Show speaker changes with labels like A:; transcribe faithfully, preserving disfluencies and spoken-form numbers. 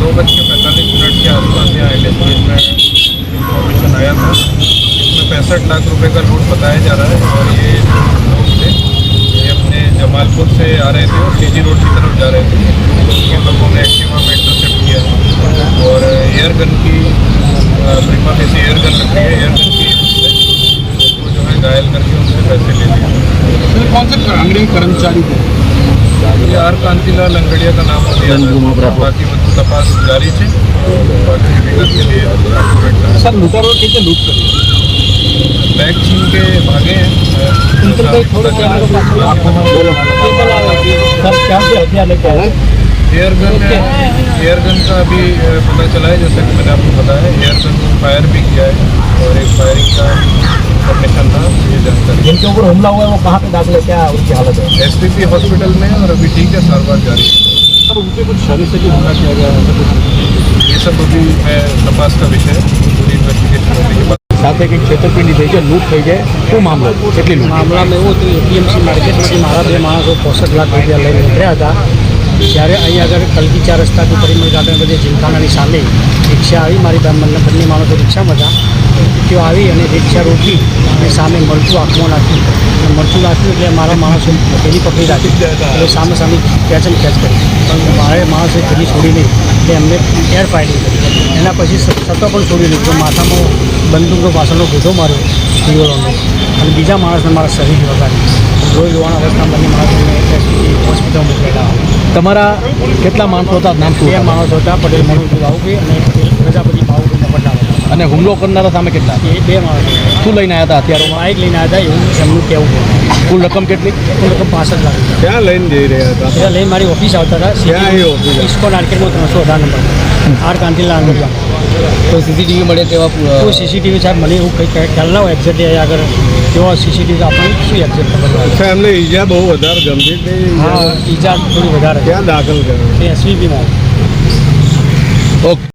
A: दो बज के पैंतालीस मिनट के आसपास यहाँ इंडस्ट्रीज में इंफॉर्मेशन आया था। इसमें पैंसठ लाख रुपए का लूट बताया जा रहा है और ये लोग थे, ये अपने जमालपुर से आ रहे थे और सीजी रोड की तरफ जा रहे थे। तो उनके लोगों ने एक्टिवा में इंटरसेप्ट किया और एयर गन की प्रीमा फेसी एयर गन रखी है, एयर गन की उनको जो है घायल करके उनसे पैसे ले लिए।
B: कौन से अंग्रेजी कर्मचारी थे?
A: ये आर कांतिलाल अंगड़िया का नाम दिया था। बाकी मतलब तपास जारी है, बाकी विगत के लिए
B: सर लूटारों कैसे लूट कर
A: बैग छीन के भागे हैं। एयर गन एयर गन का अभी पता चला है, जैसा कि मैंने आपको बताया, एयर गन फायर भी किया है और एक फायरिंग का इंफॉर्मेशन था। ये जानकारी
B: जिनके ऊपर हमला हुआ है वो कहाँ पे दाखिल है, क्या उसकी हालत है?
A: एसपीपी हॉस्पिटल में और अभी ठीक है, सारवार जारी है।
B: सर उनके कुछ शरीर से भी हमला किया गया है?
A: ये सब अभी मैं तपास का विषय है, पूरी इन्वेस्टिगेशन होने के बाद
B: સાથે કંઈક છેતરપિંડી થઈ છે, લૂંટ થઈ છે, શું મામલો કેટલી લૂંટ?
C: મામલામાં એવું હતું, એપીએમસી માર્કેટમાંથી મારા બે માણસો પોસઠ લાખ રૂપિયા લઈને નીકળ્યા હતા ત્યારે અહીં આગળ કલકી ચાર રસ્તાથી પરિમલ ગાર્ડન બધે જીમખાનાની સામે રિક્ષા આવી, મારી બંને બંને માણસો રિક્ષામાં હતા, તેઓ આવી અને રિક્ષા રોકી અને સામે મરચું આંખમાં નાખ્યું, મરચું નાખ્યું એટલે મારા માણસો પેલી પકડી રાખી એટલે સામે સામે ખેંચમ ખેંચ કરી, પણ મારે માણસે પેલી છોડી નહીં એટલે એમને એર ફાયરિંગ કરી, એના પછી સત્તા પણ છોડી નહીં તો માથામાં બંદૂકનો પાછળનો ગોધો માર્યો દીવાલોને અને બીજા માણસને મારા શરીર વગાડી લોહી લોવાના અવસ્થા બંને માણસોને એસપી હોસ્પિટલ મોકલેલા.
B: તમારા કેટલા માણસો હતા, નામ શું?
C: બે માણસો હતા, પટેલ મનુભાઈ બાહુભાઈ અને પ્રજાપતિ બાહુભાઈ પટેલ.
B: અને હુમલો કરનારા સામે કેટલા?
C: એ બે માણસો
B: શું લઈને આવ્યા હતા હથિયારોમાં?
C: બાઇક લઈને આવ્યા હતા એવું એમનું કહેવું છે.
B: કુલ રકમ કેટલી?
C: કુલ રકમ પાસઠ લાખ રૂપિયા.
A: ક્યાં લઈને જઈ રહ્યા હતા?
C: એટલે લઈને મારી ઓફિસ આવતા
A: ક્યાં એ ઓફિસ?
C: હતા ઇસ્કોન આર્કેડમાં ત્રણસો અઢાર નંબર આર કાંતિલા અંગડિયા.
B: કોઈ સીસીટીવી મળે તેવા?
C: કોઈ સીસીટીવી સાહેબ મને એવું કંઈ ખ્યાલ ના હોય એક્ઝેક્ટ આગળ તેઓ સીસીટીવી આપણને શું એક્ઝેક્ટ ખબર હોય.
A: અચ્છા, એમને ઈજા બહુ વધારે ગંભીર થઈ?
C: હા ઈજા થોડી વધારે.
A: ક્યાં દાખલ કરે?
C: એસવીપીમાં.
B: ઓકે.